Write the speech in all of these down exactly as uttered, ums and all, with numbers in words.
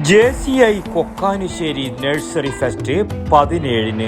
J C I Kokkanisseri nursery fest പതിനേഴിന്.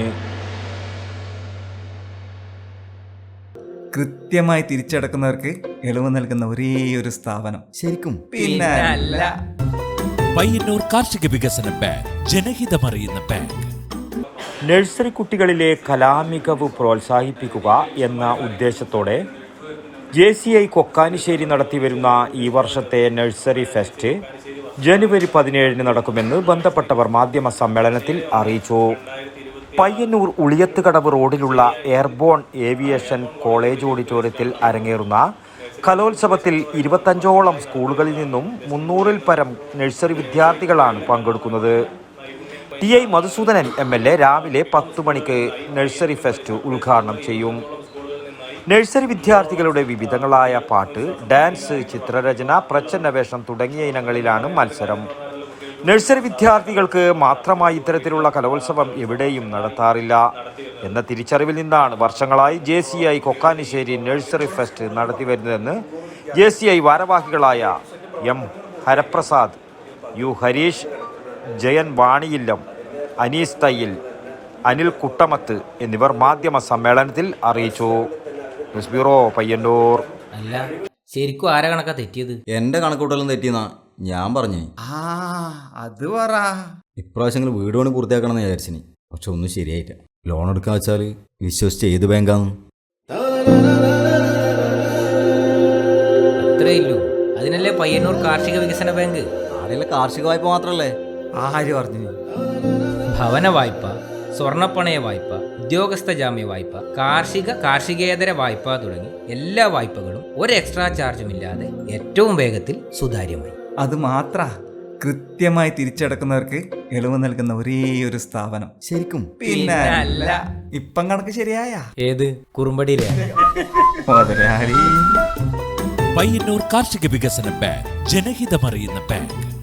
കൃത്യമായി തിരിച്ചടക്കുന്നവർക്ക് ഇളവ് നൽകുന്ന ഒരേ ഒരു സ്ഥാപനം ശരിക്കും പിന്നെ അല്ല. പയ്യന്നൂർ കാർഷിക വികസന ബാങ്ക്, ജനഹിതമറിയുന്ന ബാങ്ക്. നഴ്സറി കുട്ടികളിലെ കലാമികവ് പ്രോത്സാഹിപ്പിക്കുക എന്ന ഉദ്ദേശത്തോടെ ജെ സി ഐ കൊക്കാനുശ്ശേരി നടത്തിവരുന്ന ഈ വർഷത്തെ നഴ്സറി ഫെസ്റ്റ് ജനുവരി പതിനേഴിന് നടക്കുമെന്ന് ബന്ധപ്പെട്ടവർ മാധ്യമ സമ്മേളനത്തിൽ അറിയിച്ചു. പയ്യന്നൂർ ഉളിയത്തുകടവ് റോഡിലുള്ള എയർബോൺ ഏവിയേഷൻ കോളേജ് ഓഡിറ്റോറിയത്തിൽ അരങ്ങേറുന്ന കലോത്സവത്തിൽ ഇരുപത്തഞ്ചോളം സ്കൂളുകളിൽ നിന്നും മുന്നൂറിൽ പരം നഴ്സറി വിദ്യാർത്ഥികളാണ് പങ്കെടുക്കുന്നത്. T I Madhusoodanan M L A രാവിലെ പത്തു മണിക്ക് നഴ്സറി ഫെസ്റ്റ് ഉദ്ഘാടനം ചെയ്യും. നഴ്സറി വിദ്യാർത്ഥികളുടെ വിവിധങ്ങളായ പാട്ട്, ഡാൻസ്, ചിത്രരചന, പ്രച്ഛന്നവേഷം തുടങ്ങിയ ഇനങ്ങളിലാണ് മത്സരം. നഴ്സറി വിദ്യാർത്ഥികൾക്ക് മാത്രമായി ഇത്തരത്തിലുള്ള കലോത്സവം എവിടെയും നടത്താറില്ല എന്ന തിരിച്ചറിവിൽ നിന്നാണ് വർഷങ്ങളായി J C I Kokkanisseri nursery fest നടത്തിവരുന്നതെന്ന് ജെ സി ഐ ഭാരവാഹികളായ എം ഹരപ്രസാദ്, യു ഹരീഷ്, ജയൻ വാണിയില്ലം, അനീസ് തയ്യിൽ, അനിൽ കുട്ടമത്ത് എന്നിവർ മാധ്യമ സമ്മേളനത്തിൽ അറിയിച്ചു. News bureau, Payyanur. അല്ല, ശരിക്കും ആരാ കണക്കാ തെറ്റിയത്? എന്റെ കണക്കൂട്ടലും തെറ്റിയെന്നാ ഞാൻ പറഞ്ഞു. ആ അത് പറ. ഇപ്രാവശ്യങ്ങൾ വീട് പണി പൂർത്തിയാക്കണമെന്ന് വിചാരിച്ചിനി, പക്ഷെ ഒന്നും ശരിയായില്ല. ലോൺ എടുക്കാൻ വെച്ചാൽ വിശ്വസിച്ച് ഏത് ബാങ്കാന്ന്? അത്രേ ഇല്ലൂ. അതിനല്ലേ പയ്യന്നൂർ കാർഷിക വികസന ബാങ്ക്. ആടെയുള്ള കാർഷിക വായ്പ മാത്രല്ലേ? ആര് പറഞ്ഞു? ഭവന വായ്പ, സ്വർണ്ണപ്പണയ വായ്പ, ഉദ്യോഗസ്ഥ ജാമ്യ വായ്പ, കാർഷിക കാർഷികേതര വായ്പ തുടങ്ങി എല്ലാ വായ്പകളും ഒരു എക്സ്ട്രാ ചാർജുമില്ലാതെ ഏറ്റവും വേഗത്തിൽ സുതാര്യമായി. അത് മാത്ര കൃത്യമായി തിരിച്ചടക്കുന്നവർക്ക് ഇളവ് നൽകുന്ന ഒരേ ഒരു സ്ഥാപനം ശരിക്കും പിന്നെ അല്ല. ഇപ്പം കണക്ക് ശരിയായ ഏത് കുറുമ്പടിയിലെ മുതലാളി. പയ്യന്നൂർ കാർഷിക വികസന ബാങ്ക്, ജനഹിതമറിയുന്ന ബാങ്ക്.